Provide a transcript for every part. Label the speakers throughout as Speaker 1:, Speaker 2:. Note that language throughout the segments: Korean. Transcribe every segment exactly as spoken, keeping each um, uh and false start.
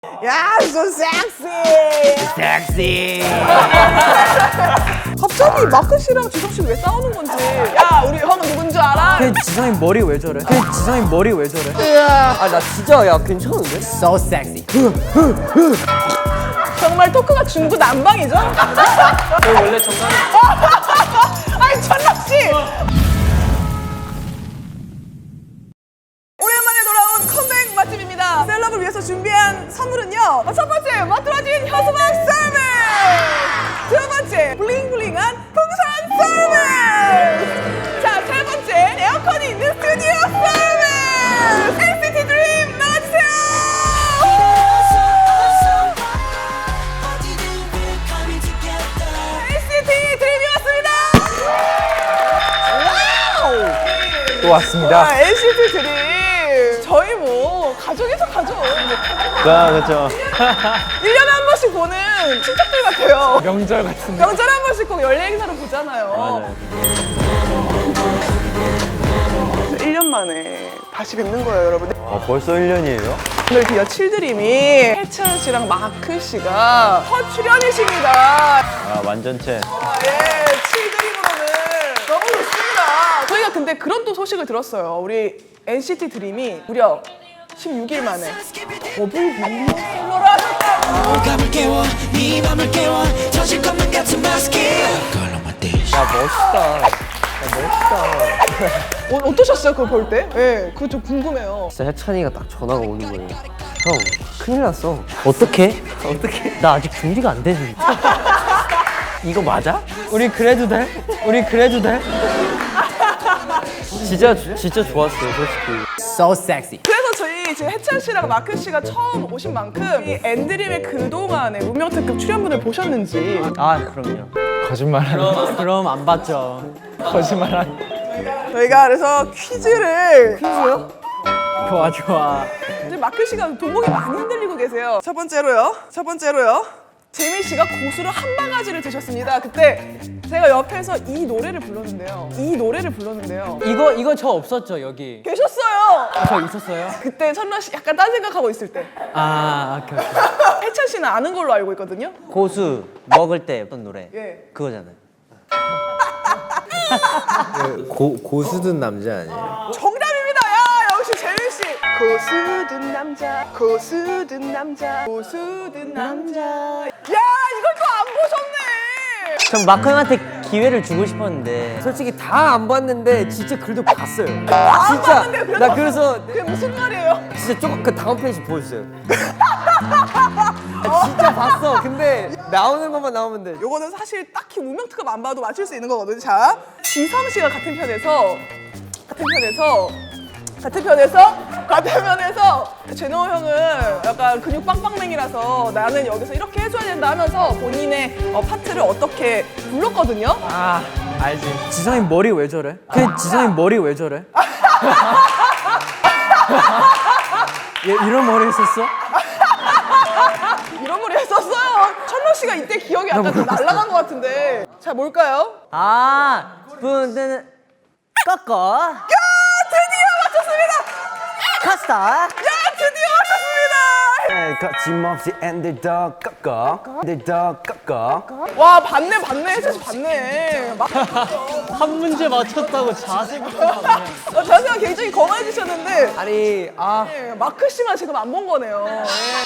Speaker 1: 야, so sexy.
Speaker 2: 섹시.
Speaker 1: 갑자기 마크 씨랑 지성 씨 왜 싸우는 건지. 야, 우리 형은 누군지 알아?
Speaker 3: 걔 지성이 머리 왜 저래? 걔 지성이 머리 왜 저래?
Speaker 2: 아 나 진짜 야 괜찮은데?
Speaker 3: So sexy.
Speaker 1: 정말 토크가 중구난방이죠?
Speaker 3: 저 원래 정말
Speaker 1: 아니, 천락 씨. 오랜만에 돌아온 컴백 맛집입니다. 셀럽을 위해서 준비한 선물은요. 첫 번째, 멋들어진 현수막 서비스. 두 번째, 블링블링한 풍선 서비스. 자, 세 번째, 에어컨이 있는 스튜디오 서비스. 엔시티 드림 나와주세요. 엔시티 드림이 왔습니다.
Speaker 3: 또 왔습니다.
Speaker 1: 아, 엔시티 드림. 저희 뭐 가족에서 가족.
Speaker 2: 아 그렇죠.
Speaker 1: 일 년에 한 번씩 보는 친척들 같아요.
Speaker 3: 명절 같은데.
Speaker 1: 명절에 한 번씩 꼭 연례 행사를 보잖아요. 일 년 만에 다시 뵙는 거예요, 여러분.
Speaker 2: 아 벌써 일 년이에요?
Speaker 1: 오늘 드디어 칠드림이 해찬 씨랑 마크 씨가 첫 출연이십니다.
Speaker 2: 아 완전체.
Speaker 1: 아, 예, 칠드림으로는 너무 좋습니다. 저희가 근데 그런 또 소식을 들었어요. 우리 엔시티 드림이 무려 십육 일 만에 더블 밀리언 셀러를 하셨다고.
Speaker 4: 감을 깨워 네 맘을 깨워 터질 것만 같은 마스크
Speaker 2: 야 멋있다. 야 멋있다.
Speaker 1: 어, 어떠셨어요, 그거 볼 때? 예, 그거 좀 궁금해요.
Speaker 5: 진짜 해찬이가 딱 전화가 오는 거예요. 형, 큰일 났어. 어떡해? 어떡해? 나 아직 준비가 안 되지. 이거 맞아?
Speaker 3: 우리 그래도 돼? 우리 그래도 돼?
Speaker 5: 진짜 진짜 좋았어요, 솔직히.
Speaker 3: So sexy.
Speaker 1: 그래서 저희 지금 해찬 씨랑 마크 씨가 처음 오신 만큼 이 엔드림의 그동안의 운명 특급 출연분을 보셨는지.
Speaker 5: 아, 그럼요.
Speaker 3: 거짓말하네. 그럼 안 봤죠. 거짓말하네.
Speaker 1: 저희가 그래서 퀴즈를 퀴즈요?
Speaker 3: 좋아 좋아.
Speaker 1: 이제 마크 씨가 동공이 많이 흔들리고 계세요. 첫 번째로요. 첫 번째로요. 재민 씨가 고수를 한 바가지를 드셨습니다. 그때 제가 옆에서 이 노래를 불렀는데요. 이 노래를 불렀는데요.
Speaker 3: 이거 이거 저 없었죠 여기.
Speaker 1: 계셨어요.
Speaker 3: 저 있었어요?
Speaker 1: 그때 천라 씨 약간 딴 생각하고 있을 때.
Speaker 3: 아 오케이 오케이.
Speaker 1: 해찬 씨는 아는 걸로 알고 있거든요.
Speaker 5: 고수 먹을 때 어떤 노래?
Speaker 1: 예.
Speaker 5: 그거잖아요.
Speaker 6: 고, 고수든 남자 아니에요?
Speaker 1: 정답입니다. 야, 역시 재민 씨. 고수든 남자, 고수든 남자, 고수든 남자. 야, 이걸 또 안 보셨네.
Speaker 5: 전 마크 형한테 기회를 주고 싶었는데
Speaker 6: 솔직히 다 안 봤는데 진짜 그래도 봤어요.
Speaker 1: 안
Speaker 6: 진짜
Speaker 1: 봤는데 그래도
Speaker 6: 나 그래서
Speaker 1: 그게 무슨 말이에요?
Speaker 6: 진짜 조금 그 다음 페이지 보여주세요. 아, 진짜 봤어. 근데 나오는 것만 나오면 돼.
Speaker 1: 요거는 사실 딱히 운명특급 안 봐도 맞출 수 있는 거거든요. 자, 지성 씨가 같은 편에서 같은 편에서 같은 편에서 같은 편에서 제노 형은 약간 근육 빵빵맹이라서 나는 여기서 이렇게 해줘야 된다 하면서 본인의 어, 파트를 어떻게 불렀거든요.
Speaker 3: 아 알지. 지성이 머리 왜 저래? 걔 지성이 머리 왜 저래? 얘 이런 머리 했었어?
Speaker 1: 이런 걸 했었어요. 천록 씨가 이때 기억이 약간 좀 날아간 것 같은데. 자, 뭘까요?
Speaker 5: 아 분들은 꺾어
Speaker 1: 야, 드디어 맞췄습니다.
Speaker 5: 카스타
Speaker 1: 야, 드디어 맞췄습니다.
Speaker 6: 거침없이 엔들더 꺾어 엔들더 꺾어.
Speaker 1: 와, 봤네, 봤네. 해서 봤네. 막,
Speaker 3: 한 문제 맞췄다고 자세부터.
Speaker 1: 어, 자세가 굉장히 검해지셨는데.
Speaker 6: 아니 아
Speaker 1: 네, 마크 씨만 지금 안 본 거네요. 네.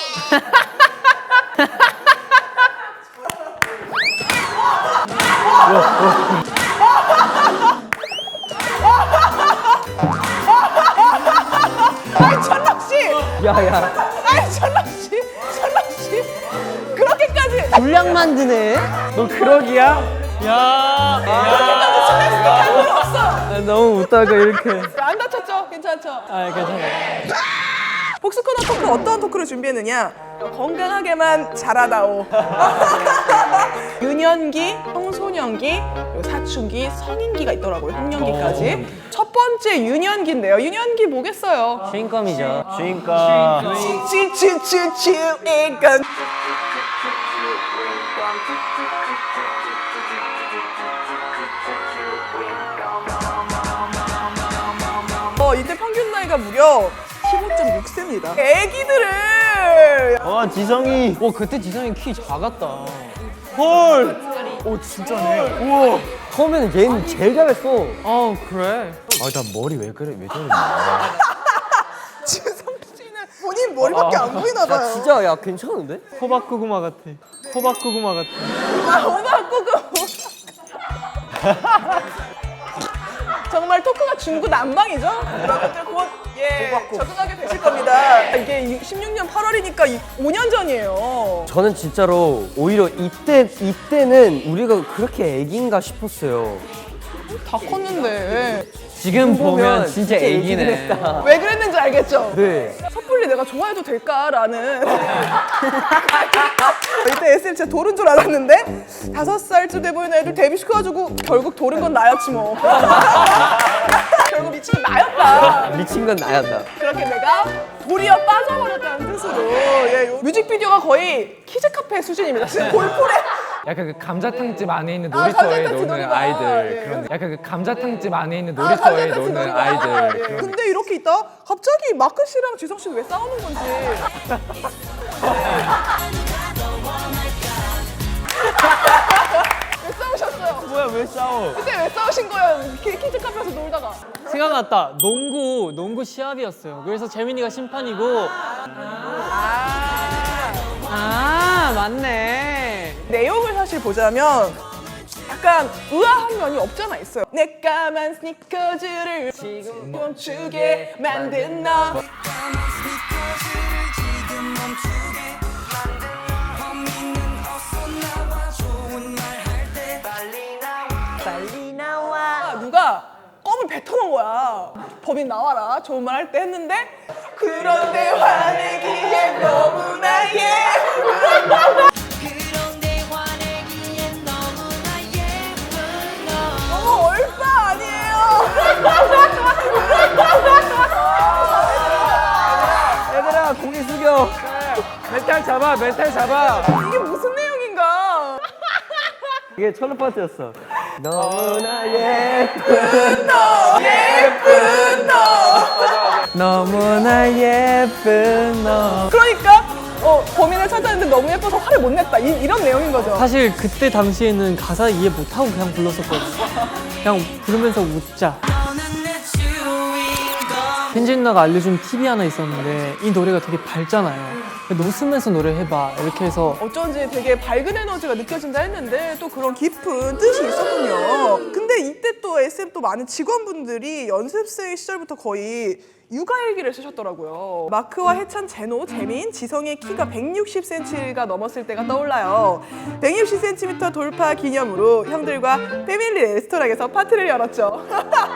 Speaker 1: 아이, 천락 씨!
Speaker 5: 야야
Speaker 1: 아이, 천락 씨! 천락 씨! 그렇게까지!
Speaker 5: 분량 만드네.
Speaker 3: 너 그러기야? 야.
Speaker 1: 그렇게까지 스트레스 할 필요 없어!
Speaker 3: 아, 너무 웃다가 이렇게.
Speaker 1: 안 다쳤죠? 괜찮죠?
Speaker 3: 아 괜찮아.
Speaker 1: 복스코너 토크 어떤 토크를 준비했느냐? 건강하게만 자라다오. 유년기, 청소년기, 그리고 사춘기, 성인기가 있더라고요. 학년기까지. 첫 번째 유년기인데요. 유년기 뭐겠어요?
Speaker 5: 주인감이죠.
Speaker 2: 주인가.
Speaker 1: 치치치치치 이건 어 이때 평균 나이가 무려 십오 점 육 세입니다. 애기들은
Speaker 2: 와 지성이.
Speaker 3: 와 그때 지성이 키 작았다.
Speaker 1: 오 진짜네. 우와.
Speaker 6: 처음에는 얘는 제일 잘했어.
Speaker 3: 어 그래.
Speaker 2: 아나 머리 왜 그래 왜 저래?
Speaker 1: 지성 씨는 본인 머리밖에 안 보이나 봐요.
Speaker 6: 야 진짜 야 괜찮은데?
Speaker 3: 호박 고구마 같아. 호박 고구마 같아.
Speaker 1: 아, 오바 꾸꾸. 정말 토크가 중구난방이죠? 여러분들 곧 예, 적응하게 되실 겁니다. 이게 십육 년 팔월이니까 오 년 전이에요.
Speaker 6: 저는 진짜로 오히려 이때 이때는 우리가 그렇게 애기인가 싶었어요.
Speaker 1: 다 컸는데
Speaker 3: 지금 보면
Speaker 6: 보면
Speaker 3: 진짜
Speaker 6: 진짜 애기긴
Speaker 3: 애기네.
Speaker 6: 했다.
Speaker 1: 왜 그랬는지 알겠죠?
Speaker 6: 네.
Speaker 1: 섣불리 내가 좋아해도 될까라는 이때 에스엠 진짜 돌은 줄 알았는데 다섯 살쯤 돼 보이는 애들 데뷔시켜가지고 결국 돌은 건 나였지 뭐. 결국 미친 건 나였다.
Speaker 6: 미친 건 나였다.
Speaker 1: 그렇게 내가 돌이어 빠져버렸다는 뜻으로 예, 요 뮤직비디오가 거의 키즈 카페 수준입니다. 지금 골프래.
Speaker 7: 약간 그 감자탕집 안에 있는
Speaker 1: 아,
Speaker 7: 놀이터에
Speaker 1: 감자탕집
Speaker 7: 노는
Speaker 1: 놀이터.
Speaker 7: 아이들
Speaker 1: 예.
Speaker 7: 그런 약간 그 감자탕집 안에 있는
Speaker 1: 아,
Speaker 7: 놀이터에
Speaker 1: 감자탕집
Speaker 7: 노는
Speaker 1: 놀이터.
Speaker 7: 아이들
Speaker 1: 아, 예.
Speaker 7: 그런
Speaker 1: 근데 이렇게 있다 갑자기 마크 씨랑 지성 씨는 왜 싸우는 건지. 왜 싸우셨어요?
Speaker 2: 뭐야 왜 싸워?
Speaker 1: 그때 왜 싸우신 거예요? 키- 키즈 카페에서 놀다가.
Speaker 3: 생각났다. 농구 농구 시합이었어요. 그래서 재민이가 심판이고. 아 맞네.
Speaker 1: 내용을 사실 보자면 약간 의아한 면이 없잖아 있어요. 내 까만 스니커즈를 지금 멈추게 만든 너. 빨리 나와. 누가 껌을 뱉어놓은 거야. 범인 나와라. 좋은 말 할 때 했는데 그런데 화내기에 너무나 예쁜
Speaker 4: 그런데 화내기엔 너무나 예쁜 너
Speaker 1: 너무 얼빠 아니에요?
Speaker 6: 얘들아 고개 숙여.
Speaker 7: 멘탈 잡아 멘탈 잡아
Speaker 1: 이게 무슨 내용인가?
Speaker 6: 이게 철로 파트였어. 너무나 예쁜
Speaker 1: 예쁜 너.
Speaker 3: 너무나 예쁜 너.
Speaker 1: 그러니까 어, 범인을 찾았는데 너무 예뻐서 화를 못 냈다. 이, 이런 내용인 거죠.
Speaker 3: 사실 그때 당시에는 가사 이해 못하고 그냥 불렀었거든. 그냥 부르면서 웃자.
Speaker 4: 너는 내 주인공
Speaker 3: 현진 누나가 알려준 팁이 하나 있었는데 이 노래가 되게 밝잖아요. 웃으면서 노래해봐 이렇게 해서
Speaker 1: 어쩐지 되게 밝은 에너지가 느껴진다 했는데 또 그런 깊은 뜻이 있었군요. 근데 이때 또 에스엠 또 많은 직원분들이 연습생 시절부터 거의 육아일기를 쓰셨더라고요. 마크와 해찬, 제노, 재민, 지성의 키가 백육십 센티미터가 넘었을 때가 떠올라요. 백육십 센티미터 돌파 기념으로 형들과 패밀리 레스토랑에서 파티를 열었죠.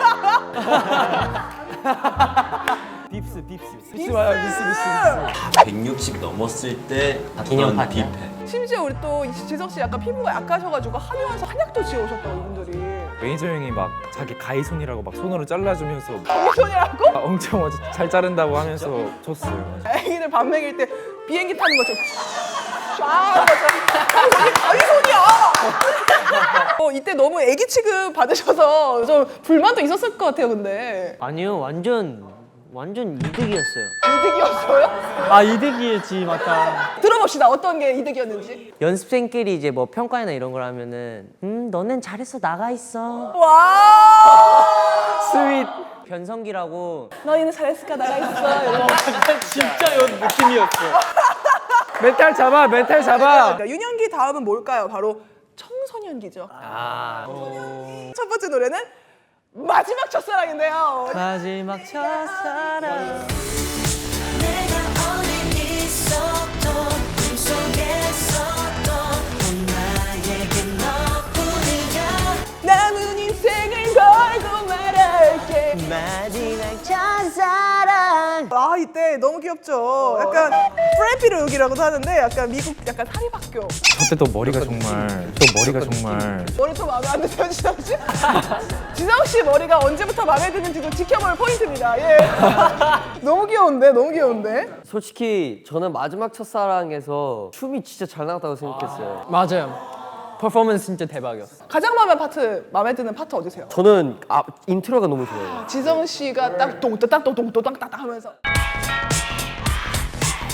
Speaker 2: 빕스 빕스.
Speaker 1: 비스 맞아, 비스 비스.
Speaker 8: 백육십 넘었을 때
Speaker 5: 기념
Speaker 8: 어떤
Speaker 5: 파티야?
Speaker 8: 뷔페.
Speaker 1: 심지어 우리 또 지성 씨 약간 피부가 약하셔가지고 한의원에서 한약도 지어오셨다고 이분들이.
Speaker 7: 매니저 형이 막 자기 가위손이라고 막 손으로 잘라주면서
Speaker 1: 거기서냐고?
Speaker 7: 아, 엄청 아주 잘 자른다고 하면서 줬어요.
Speaker 1: 애기들 밥 먹일 때 비행기 타는 거죠. 쫙 이게 가위손이야. 어, 이때 너무 애기 취급 받으셔서 좀 불만도 있었을 것 같아요. 근데
Speaker 5: 아니요 완전 완전 이득이었어요.
Speaker 1: 이득이었어요?
Speaker 3: 아 이득이지 맞다.
Speaker 1: 들어봅시다. 어떤 게 이득이었는지.
Speaker 5: 연습생끼리 이제 뭐 평가나 이런 걸 하면은 음 너넨 잘했어 나가 있어.
Speaker 1: 와.
Speaker 3: 스윗.
Speaker 5: 변성기라고
Speaker 1: 너희는 잘했을까 나가 있어. 이런 거.
Speaker 3: 진짜 요 느낌이었어.
Speaker 7: 멘탈 잡아 멘탈 잡아
Speaker 1: 그러니까 유년기 다음은 뭘까요? 바로 청소년기죠.
Speaker 5: 아
Speaker 1: 첫 번째 노래는 마지막 첫사랑인데요.
Speaker 3: 마지막 첫사랑.
Speaker 4: 내가 어디 있어도 꿈속에서도 넌 나에게 너뿐이야
Speaker 1: 남은 인생을 걸고 말할게.
Speaker 5: 마지막 첫사랑.
Speaker 1: 아 이때 너무 귀엽죠. 약간 프레피룩이라고도 하는데 약간 미국 약간 사립학교.
Speaker 7: 저때도 머리가 정말 또 머리가 정말
Speaker 1: 머리 더 마음에 안 드세요, 지성 씨? 지성 씨 머리가 언제부터 마음에 드는지도 지켜볼 포인트입니다. 예. 너무 귀여운데, 너무 귀여운데.
Speaker 6: 솔직히 저는 마지막 첫사랑에서 춤이 진짜 잘 나갔다고 생각했어요.
Speaker 3: 맞아요. 퍼포먼스 진짜 대박이었어.
Speaker 1: 가장 마음에 파트 마음에 드는 파트 어디세요?
Speaker 6: 저는 아, 인트로가 너무 좋아요.
Speaker 1: 지성 씨가 딱 똥또딱 똥똥또땅딱 하면서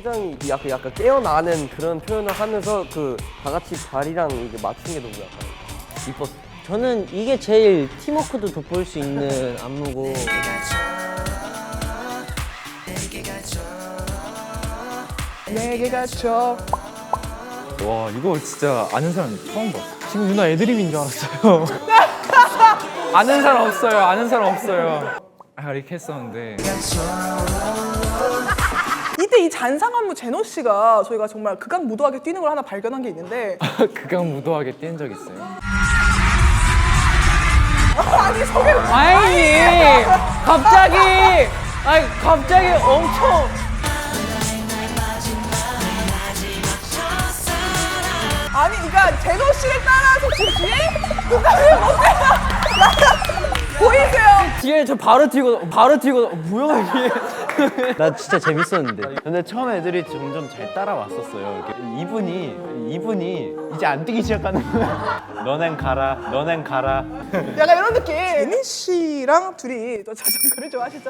Speaker 6: 굉장히 약간 약간 깨어나는 그런 표현을 하면서 그 다 같이 발이랑 이게 맞춘 게 너무 약간 이뻤어.
Speaker 5: 저는 이게 제일 팀워크도 돋보일 수 있는 안무고
Speaker 1: 내게 갇혀.
Speaker 7: 와 이거 진짜 아는 사람 처음 봤어.
Speaker 3: 지금 누나 애드립인 줄 알았어요.
Speaker 7: 아는 사람 없어요. 아는 사람 없어요. 아 이렇게 했었는데
Speaker 1: 이때 이 잔상 안무 제노 씨가 저희가 정말 극악무도하게 뛰는 걸 하나 발견한 게 있는데
Speaker 7: 극악무도하게 뛴 적 있어요.
Speaker 1: 아니 소개
Speaker 5: 아니 갑자기 아니 갑자기 엄청
Speaker 1: 아니 그러니까 제노 씨를 따라서 지금 뒤에 그다음에 어때요? 보이세요?
Speaker 5: 뒤에 저 바로 튀고 바로 튀고 뭐야 이게 나 진짜 재밌었는데
Speaker 2: 근데 처음 애들이 점점 잘 따라왔었어요. 이렇게 이분이 이분이 이제 안 뛰기 시작하는 거야. 너넨 가라, 너넨 가라.
Speaker 1: 약간 이런 느낌. 제니 씨랑 둘이 또 자전거를 좋아하시죠?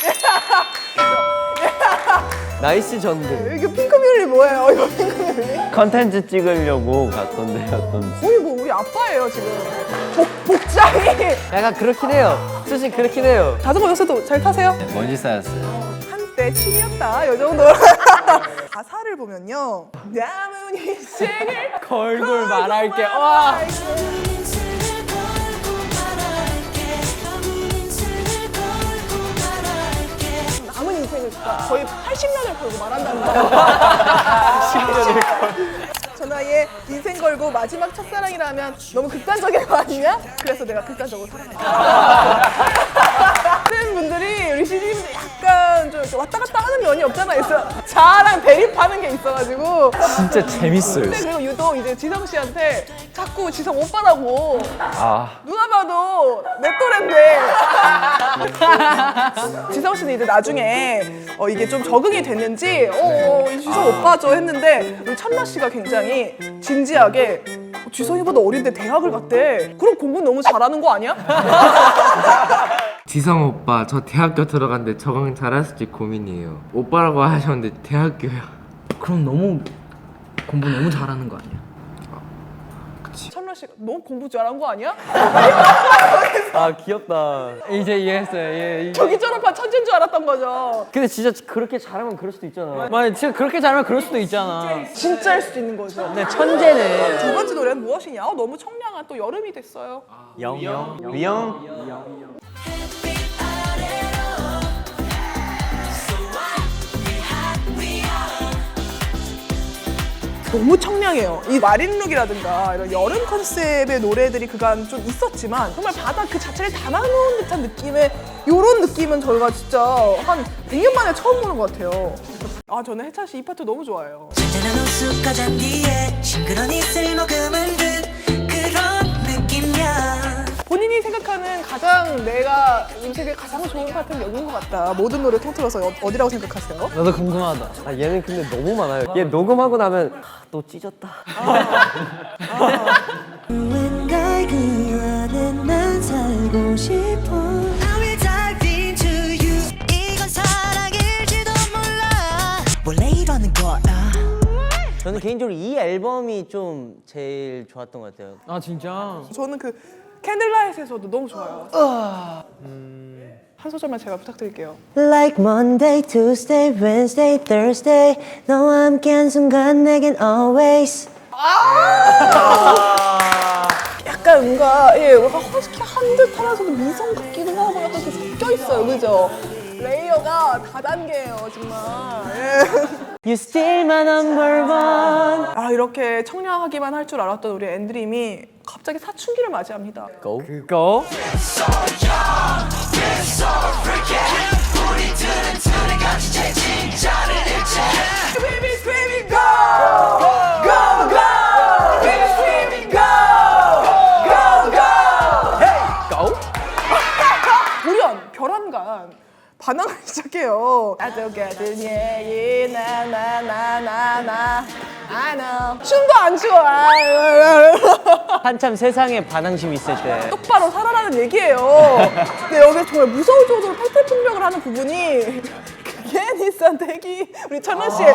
Speaker 6: 나이스 전들.
Speaker 1: 이거 핑크뮬리 뭐예요? 이거 핑크뮬리?
Speaker 2: 컨텐츠 찍으려고 갔던 데였던.
Speaker 1: 거의 뭐 우리 아빠예요 지금. 복, 복장이.
Speaker 6: 약간 그렇긴 해요. 솔직히 그렇긴 해요.
Speaker 1: 자전거 요새도 잘 타세요?
Speaker 2: 먼지 쌓였어요.
Speaker 1: 한때 취미였다 이 정도. 가사를 보면요. 남은 인생을
Speaker 5: 걸고 말할게 와
Speaker 1: 남은 인생을 거의 팔십 년을 걸고 말한다는 거예요. 저 나이에 인생 걸고 마지막 첫사랑이라면 너무 극단적인 거 아니냐? 그래서 내가 극단적으로 사랑했다. 많은 분들이 우리 씨디분들 약간 좀 이렇게 왔다 갔다 하는 면이 없잖아 있어. 자랑 대립하는 게 있어가지고.
Speaker 7: 진짜 재밌어요.
Speaker 1: 근데 그리고 유독 이제 지성 씨한테 자꾸 지성 오빠라고.
Speaker 7: 아
Speaker 1: 누가 봐도 내 또래인데. 지성 씨는 이제 나중에 어, 이게 좀 적응이 됐는지 어, 어, 이 지성 오빠죠 했는데 우리 찬나 씨가 굉장히 진지하게 어, 지성이보다 어린데 대학을 갔대. 그럼 공부 너무 잘하는 거 아니야?
Speaker 9: 지성 오빠 저 대학교 들어갔는데 적응 잘했을지 고민이에요. 오빠라고 하셨는데 대학교야.
Speaker 5: 그럼 너무 공부 너무 잘하는 거 아니야?
Speaker 1: 찬나 씨가 너 공부 잘한 거 아니야?
Speaker 6: 아 귀엽다.
Speaker 5: 이제 이해했어요 예,
Speaker 1: 저기 졸업한 천재인 줄 알았던 거죠.
Speaker 6: 근데 진짜 그렇게 잘하면 그럴 수도 있잖아.
Speaker 5: 맞아 진짜 그렇게 잘하면 그럴 수도 있잖아
Speaker 1: 진짜일 수도 있는 거죠.
Speaker 5: 네 천재네
Speaker 1: 두 번째 노래는 무엇이냐? 어, 너무 청량한 또 여름이 됐어요.
Speaker 2: 영영 위영.
Speaker 1: 너무 청량해요. 이 마린룩이라든가 이런 여름 컨셉의 노래들이 그간 좀 있었지만 정말 바다 그 자체를 담아놓은 듯한 느낌의 이런 느낌은 저희가 진짜 한 백 년 만에 처음 보는 것 같아요. 아 저는 해찬 씨 이 파트 너무 좋아해요.
Speaker 4: 잔잔한 호수가 잔디에 싱그런 이슬 머금은 듯 그런 느낌이야.
Speaker 1: 본인이 생각하는 가장 내가 음색에 가장 좋은 파트는 여기인 것 같다. 모든 노래 통틀어서 어, 어디라고 생각하세요?
Speaker 5: 나도 궁금하다
Speaker 6: 아 얘는 근데 너무 많아요. 얘 녹음하고 나면 아, 또 찢었다.
Speaker 4: 누군가의 그 안에 난 살고 싶어. I will dive into you. 이건 사랑일지도 몰라. 원래 이러는 거야.
Speaker 5: 저는 개인적으로 이 앨범이 좀 제일 좋았던 것 같아요 아 진짜?
Speaker 1: 저는 그 캔들라이트에서도 너무 좋아요. 한 소절만 제가 부탁드릴게요.
Speaker 10: Like Monday, Tuesday, Wednesday, Thursday 너와 함께한 순간 내겐 always
Speaker 1: 약간 뭔가 예, 뭔가 허스키한 듯 하면서도 미성 같기도 하고 약간 그 섞여 있어요, 그죠? 레이어가 다단계예요, 정말. 예.
Speaker 5: You still my number one
Speaker 1: 아 이렇게 청량하기만 할 줄 알았던 우리 앤드림이 갑자기 사춘기를 맞이합니다.
Speaker 6: 고.
Speaker 5: 그거?
Speaker 1: Baby screaming go, go, go. Baby screaming go, go, go. Hey, go. 돌연 별안간 반항을 시작해요. 아저가든 예예 나나나나나 I know. 춤도 안 추어.
Speaker 5: 한참 세상에 반항심이 있을 때
Speaker 1: 똑바로 살아라는 얘기예요. 근데 여기 정말 무서울 정도로 탈퇴풍력을 하는 부분이 괜히 비싼 대기 우리 천원 씨.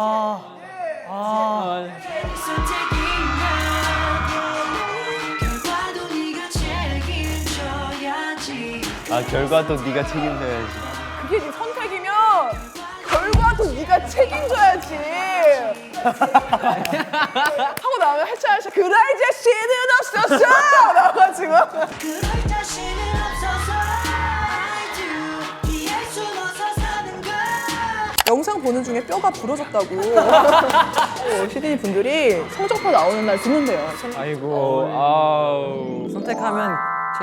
Speaker 2: 아 결과도 네가 책임져야지.
Speaker 1: 그게 네 선택이면 결과도 네가 책임져야지. 하고 나면 해차하셔. 그럴 자신은 없었어. 나와가지고.
Speaker 4: 그럴 자신은 없어서 I do 이해할 수 없어 사는 걸
Speaker 1: 영상 보는 중에 뼈가 부러졌다고. 어, 시드니 분들이 성적표 나오는 날 듣는데요.
Speaker 7: 아이고 아우.
Speaker 5: 선택하면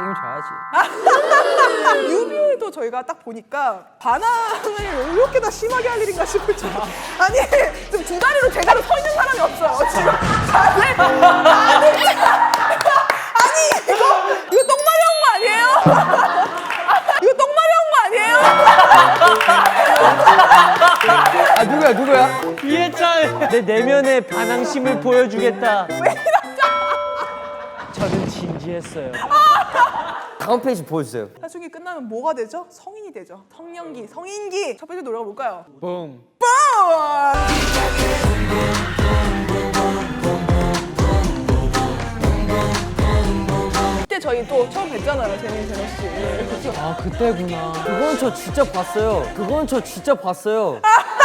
Speaker 5: 책임져야지.
Speaker 1: 뮤비도 저희가 딱 보니까 반항을 이렇게 다 심하게 할 일인가 싶을 정도. 아니 지금 두 다리로 제대로 서 있는 사람이 없어요. 지금 다들 다들 아니 이거 이거 똥마리 한 거 아니에요? 이거 똥마리 한 거 아니에요?
Speaker 6: 아 누구야 누구야?
Speaker 5: 이해찬 내 내면의 반항심을 보여주겠다.
Speaker 1: 왜 이러죠?
Speaker 5: 저는 진지했어요.
Speaker 6: 다음 페이지 보여주세요.
Speaker 1: 나중에 끝나면 뭐가 되죠? 성인이 되죠. 성년기, 성인기. 첫 번째 노래가 뭘까요?
Speaker 7: 뿡.
Speaker 1: 뿜! 그때 저희 또 처음 뵀잖아요, 재민 재민 씨. 그쵸?
Speaker 5: 아 그때구나. 그건 저 진짜 봤어요. 그건 저 진짜 봤어요.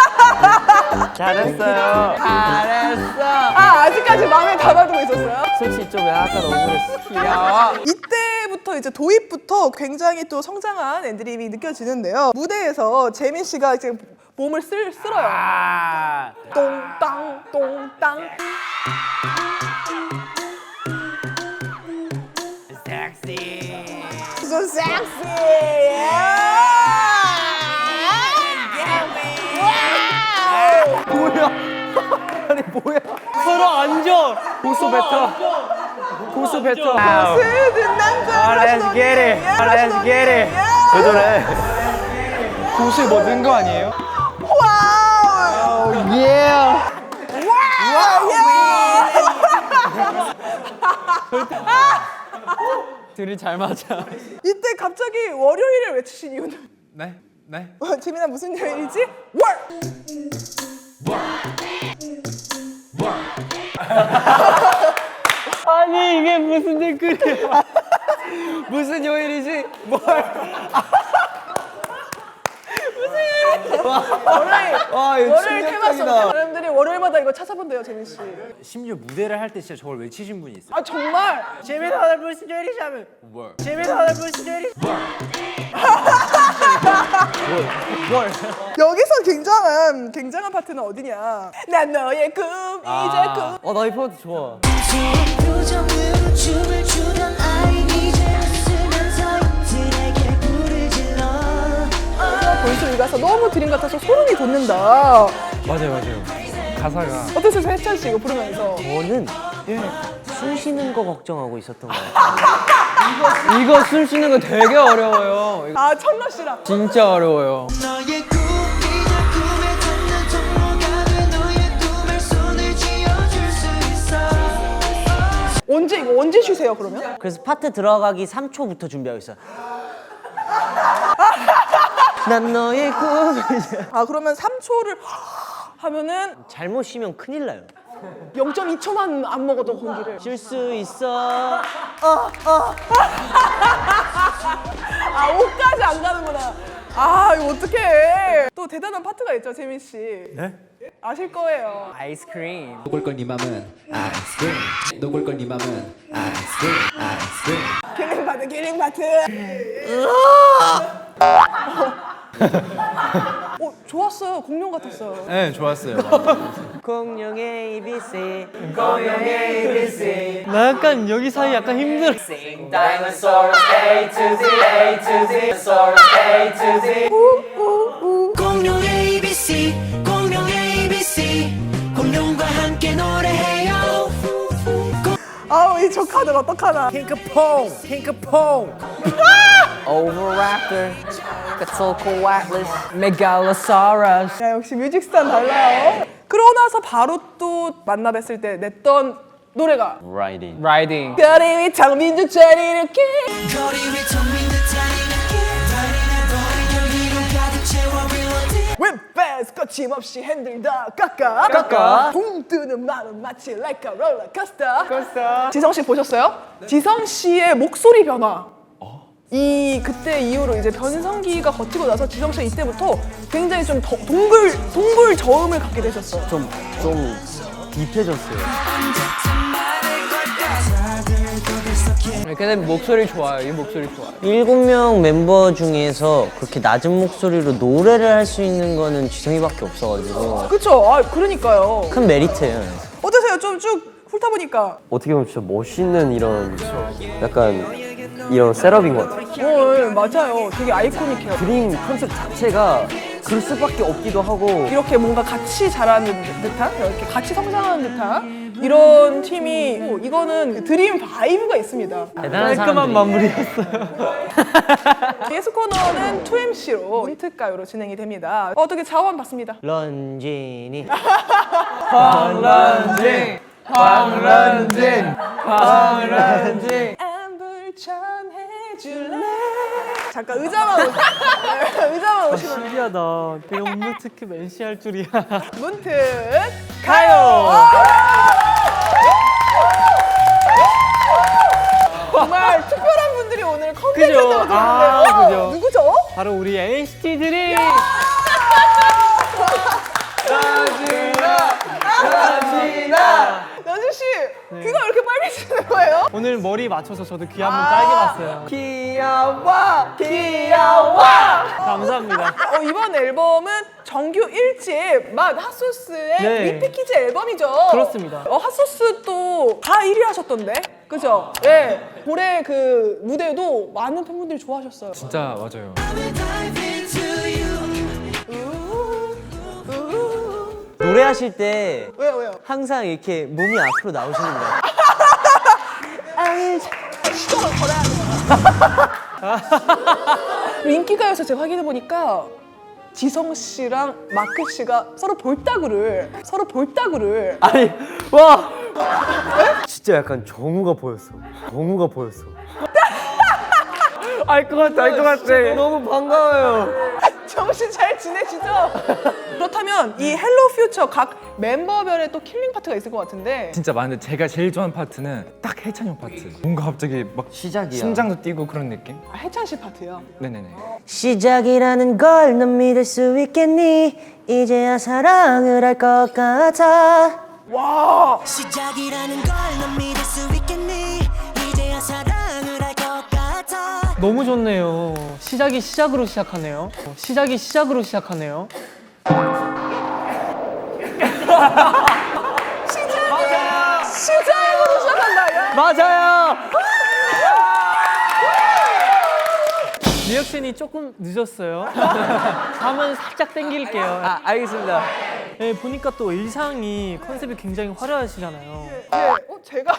Speaker 2: 잘했어요.
Speaker 5: 잘했어.
Speaker 1: 아 아직까지 마음에 담아두고 있었어요?
Speaker 5: 솔직히 좀 약간 억울했어.
Speaker 1: 귀여워. 이때부터 이제 도입부터 굉장히 또 성장한 애드립이 느껴지는데요. 무대에서 재민 씨가 이제 몸을 쓸 쓸어요. 똥땅 똥땅. 섹시. So sexy.
Speaker 6: 뭐야? 아니 뭐야?
Speaker 5: 서로 앉아.
Speaker 7: 고수 뱉어. 고수 뱉어.
Speaker 1: 스든 남자.
Speaker 2: Let's get it. Let's get it. 왜 저래?
Speaker 7: 고수에 뭐 넣은 거 아니에요?
Speaker 1: 와우.
Speaker 6: 예.
Speaker 1: 와우.
Speaker 3: 둘이 잘 맞아.
Speaker 1: 이때 갑자기 월요일을 외치신 이유는?
Speaker 7: 네? 네?
Speaker 1: 어, 재민아 무슨 요일이지? 월!
Speaker 5: 아니 이게 무슨 댓글이야? 무슨 요일이지? 뭘?
Speaker 1: 월요일!
Speaker 6: 와 이거
Speaker 1: 월요일 테마송
Speaker 6: 충격적이다.
Speaker 1: 사람들이 월요일마다 이거 찾아본대요, 재민 씨.
Speaker 9: 심지어 무대를 할 때 진짜 저걸 외치신 분이 있어요.
Speaker 1: 아 정말?
Speaker 9: 재민 오늘 무슨 요일이지 하면 뭘? 재민 오늘 무슨 요일이지?
Speaker 1: 여기서 굉장한 굉장한 파트는 어디냐? 난 너의 꿈 이제 꿈.
Speaker 5: 어나 이 파트 좋아.
Speaker 4: 표정으로 춤을 추던 아이 이제 웃으면서 들에게 불을 질러
Speaker 1: 볼수 읽어서 너무 드림 같아서 소름이 돋는다.
Speaker 7: 맞아요 맞아요. 가사가
Speaker 1: 어땠어요, 해찬 씨 이거 부르면서?
Speaker 5: 저는 숨 쉬는 거 걱정하고 있었던 거예요. 이거 이거 숨 쉬는 거 되게 어려워요.
Speaker 1: 아 천러 씨랑.
Speaker 3: 진짜 어려워요.
Speaker 4: 너의 꿈 이제 꿈에 닿는 통로가 돼 너의 꿈에 손을 쥐어줄 수 있어
Speaker 1: 언제 이거 언제 쉬세요 그러면?
Speaker 5: 그래서 파트 들어가기 삼 초부터 준비하고 있어요. 난 너의 꿈.
Speaker 1: 아 그러면 삼 초를 하면은
Speaker 5: 잘못 쉬면 큰일 나요.
Speaker 1: 영 점 이 초만 안 먹어도 공기를.
Speaker 5: 쉴 수 있어.
Speaker 1: 아 오까지 안 가는구나. 아 이거 어떡해. 또 대단한 파트가 있죠, 재민 씨. 네? 아실 거예요.
Speaker 5: 아이스크림.
Speaker 11: 녹을걸 네 맘은 아이스크림 녹을걸 네 맘은 아이스크림 아이스크림
Speaker 1: 킬링 파트, 킬링 파트. 어 좋았어요. 공룡 같았어요.
Speaker 7: 네 좋았어요.
Speaker 5: 공룡의 에이비씨. 공룡의 에이비씨. 나 약간 여기 사이 약간 힘들어.
Speaker 4: 공룡 에이비씨 공룡 에이비씨 공룡과 함께 노래해요
Speaker 1: 아우 이 조카들 어떡하나.
Speaker 5: 핑크퐁. 핑크퐁. 오버랩터. quetzalcoatlus. 메갈로사우루스.
Speaker 1: 야 역시 뮤직스타는 달라요. 그러고 나서 바로 또 만나 뵀을 때 냈던 노래가
Speaker 2: Riding.
Speaker 3: 라이딩.
Speaker 1: 거리 위 장민주 자리를 키.
Speaker 4: 거리 위 텅빈 듯한 이 느낌 Riding and rolling 열기로 가득 채워 real
Speaker 1: 윗배스 거침없이 핸들 다 깎아 깎아 붕 뜨는 마음 마치 like a roller coaster coaster 지성 씨 보셨어요? 지성 씨의 목소리 변화 이 그때 이후로 이제 변성기가 거치고 나서 지성 씨 이때부터 굉장히 좀 더, 동굴 동굴 저음을 갖게 되셨어요.
Speaker 6: 좀 좀 딥해졌어요.
Speaker 5: 근데 목소리 좋아요. 이 목소리 좋아요.
Speaker 10: 일곱 명 멤버 중에서 그렇게 낮은 목소리로 노래를 할 수 있는 거는 지성이밖에 없어가지고
Speaker 1: 그쵸? 아 그러니까요.
Speaker 10: 큰 메리트예요.
Speaker 1: 어떠세요? 좀 쭉 훑다 보니까.
Speaker 6: 어떻게 보면 진짜 멋있는 이런 약간 이런 셋업인 것 같아요.
Speaker 1: 어, 예, 맞아요. 되게 아이코닉해요.
Speaker 6: 드림 컨셉 자체가 그럴 수밖에 없기도 하고
Speaker 1: 이렇게 뭔가 같이 자라는 듯한, 이렇게 같이 성장하는 듯한 이런 팀이 어, 이거는 드림 바이브가 있습니다.
Speaker 3: 깔끔한
Speaker 5: 사람들이.
Speaker 3: 마무리였어요.
Speaker 1: 예스 코너는 투 엠씨로 힌트가요로 진행이 됩니다. 어떻게 자원 받습니다.
Speaker 10: 런쥔이
Speaker 3: 황런진, 황런진, 황런진.
Speaker 1: 안불 전해줄래? 잠깐 의자만 오시 의자만 오시면
Speaker 3: 신기하다. 되게 업무 특급 엠씨 할 줄이야.
Speaker 1: 문득 가요. 정말 특별한 분들이 오늘 컴백한다고
Speaker 3: 그죠?
Speaker 1: 들었는데
Speaker 3: 아,
Speaker 1: 어,
Speaker 3: 그죠.
Speaker 1: 누구죠?
Speaker 3: 바로 우리 엔시티 드림.
Speaker 1: 연준 씨 귀가 왜 이렇게 빨개지는 거예요?
Speaker 3: 오늘 머리 맞춰서 저도 귀 한번 빨개 봤어요.
Speaker 1: 귀여워 귀여워.
Speaker 3: 감사합니다.
Speaker 1: 어, 이번 앨범은 정규 일 집 맛 핫소스의
Speaker 3: 네.
Speaker 1: 리피키즈 앨범이죠.
Speaker 3: 그렇습니다.
Speaker 1: 어, 핫소스 또 다 일 위 하셨던데, 그죠? 예. 올해 그 무대도 많은 팬분들이 좋아하셨어요.
Speaker 7: 진짜 맞아요.
Speaker 10: 노래하실 때
Speaker 1: 왜요 왜요?
Speaker 10: 항상 이렇게 몸이 앞으로 나오시는 거예요.
Speaker 1: 시동을 걸어야 돼요. 인기가요에서 제가 확인해 보니까 지성 씨랑 마크 씨가 서로 볼따구를 서로 볼따구를
Speaker 6: 아니 와 진짜 약간 정우가 보였어. 정우가 보였어.
Speaker 5: 알 것 같아, 알 것 같아.
Speaker 6: 너무 반가워요.
Speaker 1: 정신 잘 지내시죠? 그렇다면 이 헬로 퓨처 각 멤버별의 또 킬링 파트가 있을 것 같은데
Speaker 7: 진짜 많은데 제가 제일 좋아하는 파트는 딱 해찬 형 파트. 뭔가 갑자기 막
Speaker 6: 시작이야.
Speaker 7: 심장도 뛰고 그런 느낌?
Speaker 1: 아, 해찬 씨 파트요.
Speaker 7: 네네네.
Speaker 10: 시작이라는 걸 넌 믿을 수 있겠니? 이제야 사랑을 할 것 같아.
Speaker 1: 와
Speaker 4: 시작이라는 걸 넌 믿을 수 있겠니? 이제야 사랑을 할 것 같아.
Speaker 3: 너무 좋네요. 시작이 시작으로 시작하네요. 시작이 시작으로 시작하네요.
Speaker 1: 시작으로 시작한다. 야.
Speaker 10: 맞아요.
Speaker 3: 리액션이 조금 늦었어요. 다음은 살짝 땡길게요.
Speaker 10: 아 알겠습니다.
Speaker 3: 네, 보니까 또 의상이 컨셉이 굉장히 화려하시잖아요.
Speaker 1: 예, 어, 제가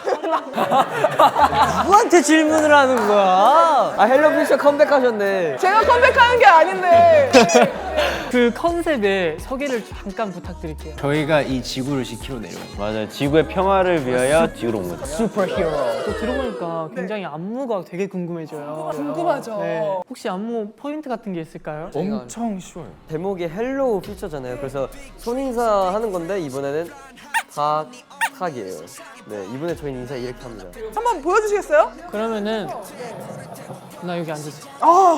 Speaker 10: 누구한테 질문을 하는 거야?
Speaker 6: 아 헬로피셔 컴백하셨네.
Speaker 1: 제가 컴백하는 게 아닌데.
Speaker 3: 그 컨셉의 소개를 잠깐 부탁드릴게요.
Speaker 2: 저희가 이 지구를 지키러 내려온 거예요. 맞아요. 지구의 평화를 위하여 지구로 온 거죠.
Speaker 1: 슈퍼히어로.
Speaker 3: 또 들어보니까 굉장히 안무가 되게 궁금해져요.
Speaker 1: 궁금하죠.
Speaker 3: 네. 혹시 안무 포인트 같은 게 있을까요?
Speaker 7: 엄청 쉬워요.
Speaker 6: 제목이 헬로우 퓨처잖아요. 그래서 손인사 하는 건데 이번에는 탁 탁이에요. 네 이번에 저희 인사 이렇게 합니다.
Speaker 1: 한번 보여주시겠어요?
Speaker 3: 그러면은 나 여기 앉으세요.
Speaker 1: 아,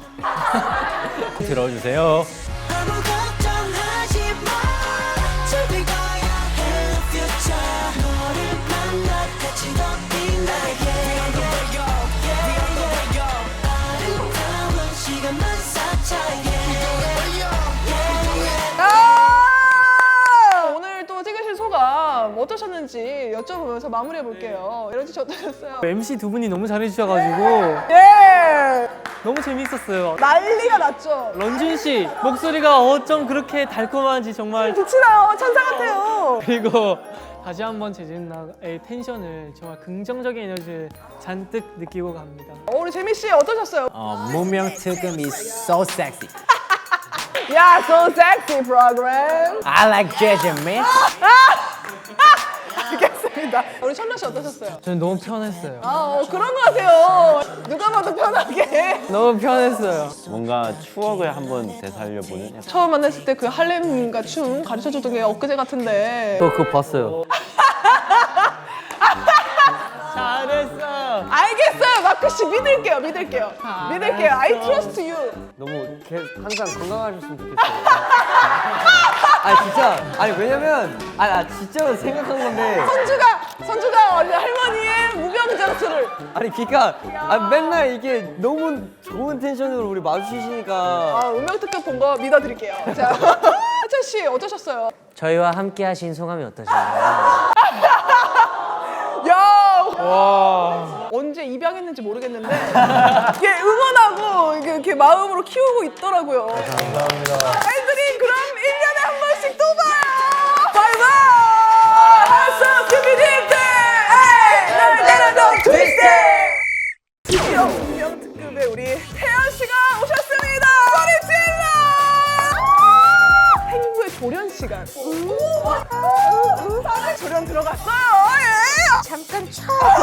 Speaker 2: 들어주세요.
Speaker 4: 아무 걱정하지 마. 즐길 거야. Hello future. 너를 만나 같이 걷는 나에게. 아름다운 시간만 쌓자.
Speaker 1: 아! 오늘 또 찍으신 소감 어떠셨는지 여쭤보면서 마무리해 볼게요. 이런 씨 어떠셨어요?
Speaker 3: 엠씨 두 분이 너무 잘해주셔가지고
Speaker 1: 예!
Speaker 3: 너무 재밌었어요.
Speaker 1: 난리가 났죠.
Speaker 3: 런쥔 씨 목소리가 어쩜 그렇게 달콤한지 정말.
Speaker 1: 빛이 나요. 천사 같아요.
Speaker 3: 그리고 다시 한번 재진나의 텐션을 정말 긍정적인 에너지를 잔뜩 느끼고 갑니다.
Speaker 1: 어, 우리 재미 씨 어떠셨어요?
Speaker 11: 어, 문명 특음이 so sexy.
Speaker 1: 야, so sexy program.
Speaker 11: I like jazz, man.
Speaker 1: 알겠습니다. 자, 우리 천라 씨 어떠셨어요?
Speaker 3: 저는 너무 편했어요.
Speaker 1: 아, 어, 그런 것 같아요. 누가 봐도 편하게.
Speaker 3: 너무 편했어요.
Speaker 2: 뭔가 추억을 한번 되살려보는 약간
Speaker 1: 처음 만났을 때 그 할렘과 춤 가르쳐주던 게 엊그제 같은데.
Speaker 6: 저 그거 봤어요.
Speaker 2: 잘했어.
Speaker 1: 알겠어요, 마크 씨 믿을게요, 믿을게요, 믿을게요. I trust you.
Speaker 6: 너무 개, 항상 건강하셨으면 좋겠어요. 아니 진짜 아니 왜냐면 아니 나 진짜로 생각한 건데
Speaker 1: 선주가 선주가 원래 할머니의 무병장수를.
Speaker 6: 아니 그니까 아, 맨날 이게 너무 좋은 텐션으로 우리 마주치시니까
Speaker 1: 아, 운명 특급 본 거 믿어드릴게요. 자, 하찬 씨 어떠셨어요?
Speaker 5: 저희와 함께 하신 소감이 어떠신가요?
Speaker 1: 야, 와. 언제 입양했는지 모르겠는데 이게 응원하고 이게 이렇게 마음으로 키우고 있더라고요. 감사합니다. 아이들이 그럼 일 년에 한 번씩 또 봐요. 바이바이. 하서 스피딩 때. 에이, 나를 너 트위스트. 드디어 운명 특급의 우리 태연 씨가 오셨습니다. 소리 질러. 행구의 조련 시간. 사랑 조련 들어갔어요. 예. 잠깐 쳐.